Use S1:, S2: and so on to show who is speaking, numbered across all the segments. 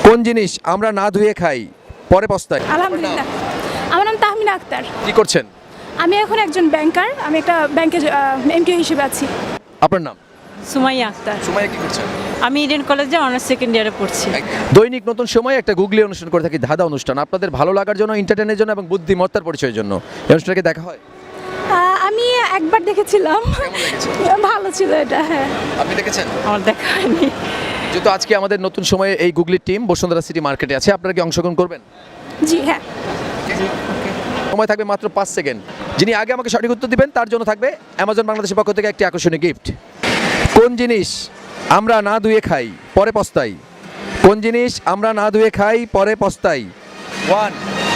S1: কোন জিনিস আমরা না ধুয়ে খাই পরে পস্তাই?
S2: আলহামদুলিল্লাহ। আমার নাম তাহমিনা আক্তার।
S1: কি করছেন?
S2: আমি এখন একজন ব্যাংকার। আমি একটা ব্যাংকে এমপিও হিসেবে আছি।
S1: আপনার নাম?
S3: সুমাইয়া আক্তার।
S1: সুমাইয়া, কি করছেন?
S3: আমি ইডেন কলেজে অনার্স সেকেন্ড ইয়ারে পড়ছি।
S1: দৈনিক নতুন সময় একটা গুগলি অনুষ্ঠান করে থাকি, ধাঁধা অনুষ্ঠান। আপনাদের ভালো লাগার জন্য, এন্টারটেইনের জন্য এবং বুদ্ধিমত্তার পরিচয়ের জন্য এই অনুষ্ঠানটাকে দেখা হয়।
S2: আমি একবার দেখেছিলাম, ভালো ছিল এটা। হ্যাঁ,
S1: আপনি দেখেছেন?
S3: আমার দেখা হয়নি।
S1: যেহেতু আজকে আমাদের নতুন সময়ে এই গুগলির টিম বসুন্ধরা সিটি মার্কেটে আছে, আপনারা কি অংশগ্রহণ করবেন?
S2: জি হ্যাঁ।
S1: সময় থাকবে মাত্র 5 সেকেন্ড। যিনি আগে আমাকে সঠিক উত্তর দিবেন তার জন্য থাকবে অ্যামাজন বাংলাদেশের পক্ষ থেকে একটি আকর্ষণীয় গিফট। কোন জিনিস আমরা না ধুয়ে খাই পরে পস্তাই? কোন জিনিস আমরা না ধুয়ে খাই পরে পস্তাই? 1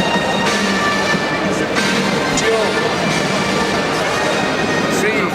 S1: 2 3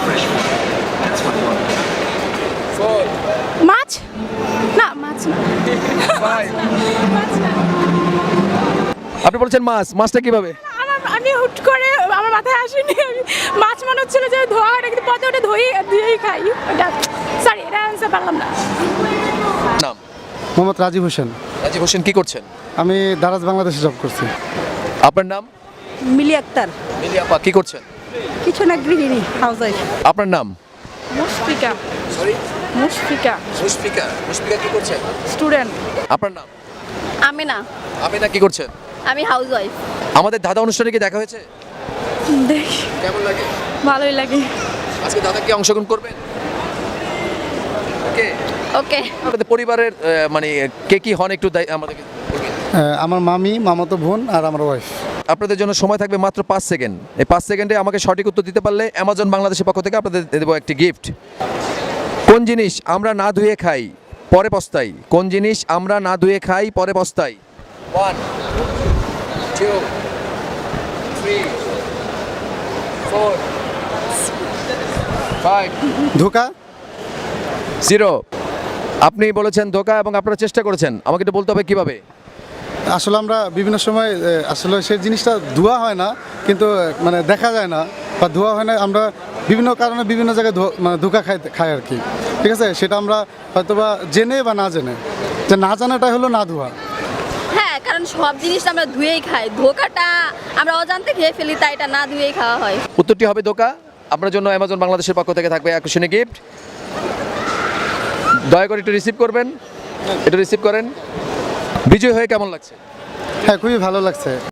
S1: 4
S2: মাছ না, মাছ না।
S1: 5।
S2: মাছ না।
S1: আপনি বলছেন মাছ। মাছটা কিভাবে?
S2: আমি হুট করে আমার মাথায় আসেনি। আমি মাছ মনে হচ্ছিল যে ধোয়া হয় না, কিন্তু পথে ওটা ধুয়েই খাই। ওটা সরি, এটা অ্যান্সার পারলাম না।
S1: নাম?
S4: মোহাম্মদ রাজীব হোসেন।
S1: রাজীব হোসেন, কি করছেন?
S4: আমি দারাজ বাংলাদেশে জব করছি।
S1: আপনার নাম?
S3: মিলি আক্তার।
S1: মিলি আপা, কি করছেন?
S3: কিছু না, গৃহিণী, হাউস ওয়াইফ।
S1: আপনার নাম?
S2: মুশফিকা।
S1: সরি,
S2: মুশফিকা,
S1: মুশফিকা। মুশফিকা, কি করছেন?
S2: স্টুডেন্ট।
S1: আপনার নাম?
S5: আমিনা,
S1: আমিনা, কি করছেন?
S5: আমি হাউস ওয়াইফ।
S1: আমাদের দাদা অনুষ্ঠানে কি দেখা হয়েছে?
S2: দেখি,
S1: কেমন লাগে?
S2: ভালোই লাগে।
S1: আজকে দাদা কি অংশগ্রহণ করবেন? ওকে।
S5: ওকে।
S1: আপনাদের পরিবারের মানে কে কি হন একটু আমাদেরকে বলবেন?
S4: আমার মামি, মামাতো বোন আর আমার ওয়াইফ।
S1: আপনাদের জন্য সময় থাকবে মাত্র 5 সেকেন্ড। এই 5 সেকেন্ডে আমাকে সঠিক উত্তর দিতে পারলে অ্যামাজন বাংলাদেশের পক্ষ থেকে আপনাদের দেবো একটি গিফট। কোন জিনিস আমরা না ধুয়ে খাই পরে পস্তাই? কোন জিনিস আমরা না ধুয়ে খাই পরে পস্তাই? 1 2 3 4 5
S4: ধোকা।
S1: 0। আপনি বলেছেন ধোকা এবং আপনারা চেষ্টা করেছেন। আমাকে একটু বলতে হবে কিভাবে?
S4: আসলে আমরা বিভিন্ন সময় আসলে সেই জিনিসটা ধোয়া হয় না, কিন্তু মানে দেখা যায় না বা ধোয়া হয় না। আমরা বিভিন্ন কারণে বিভিন্ন জায়গায় মানে ধোকা খাই আর কি। ঠিক আছে, সেটা আমরা হয়তোবা জেনে বা না জেনে, যে না জানাটাই হলো না ধোয়া।
S5: হ্যাঁ, কারণ সব জিনিস আমরা ধুয়েই খাই। ধোকাটা আমরা অজান্তে খেয়ে ফেলি, তাই এটা না ধুয়েই খাওয়া হয়।
S1: উত্তরটি হবে ধোকা। আপনার জন্য অ্যামাজন বাংলাদেশের পক্ষ থেকে থাকবে আকর্ষণীয় গিফট। দয়া করে একটু রিসিভ করবেন। এটা রিসিভ করেন। বিজয় হয়ে কেমন লাগছে?
S4: হ্যাঁ, খুবই ভালো লাগছে।